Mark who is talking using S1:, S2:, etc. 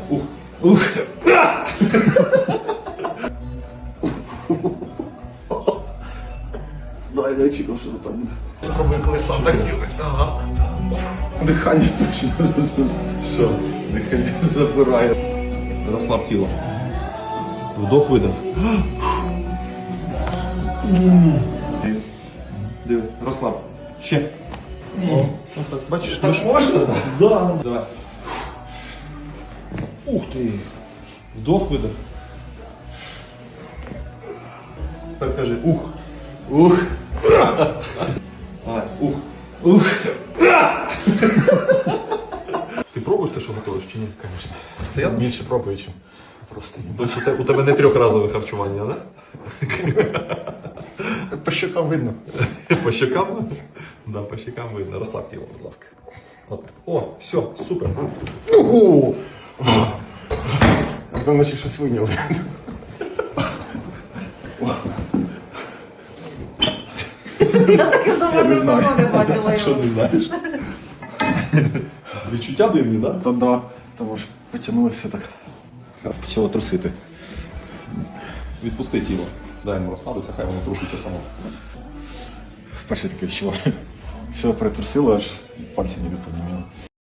S1: Ух. Ух.
S2: Дай, я очікував, що там буде. Пробуй, коли сам так зробити. Ага. Дихання точно.
S1: Що?
S2: Дихання забирає.
S1: Розслаб тіло. Вдох, видох. Диви, розслаб. Ще. О, так. Бачиш,
S2: Так можна, так?
S1: Да. Давай. Ух ти. Вдох, видох. Тепер кажи ух.
S2: Ух.
S1: Давай, ух.
S2: Ух.
S1: Ти пробуєш те, що готуєш, чи ні?
S2: Звісно.
S1: Постоянно?
S2: Більше пробую, чим просто ні.
S1: Тобто у тебе не трьохразове харчування, да?
S2: По щокам видно.
S1: По щекам? Да, по щекам видно. Розслаб тіло, будь ласка. От. О, все, супер.
S2: Ого! Там наче щось вийняли.
S3: Я таке давно
S2: не знаю.
S3: не бачила
S1: Що
S3: його.
S1: не знаєш? Відчуття дивні, да?
S2: Та да, тому ж потягнулося так. Почало трусити.
S1: Відпусти тіло. Дай йому розслабитися, хай воно труситься само.
S2: Вперше таке відчуваю. Все притрусило, аж пальці не допоміняли.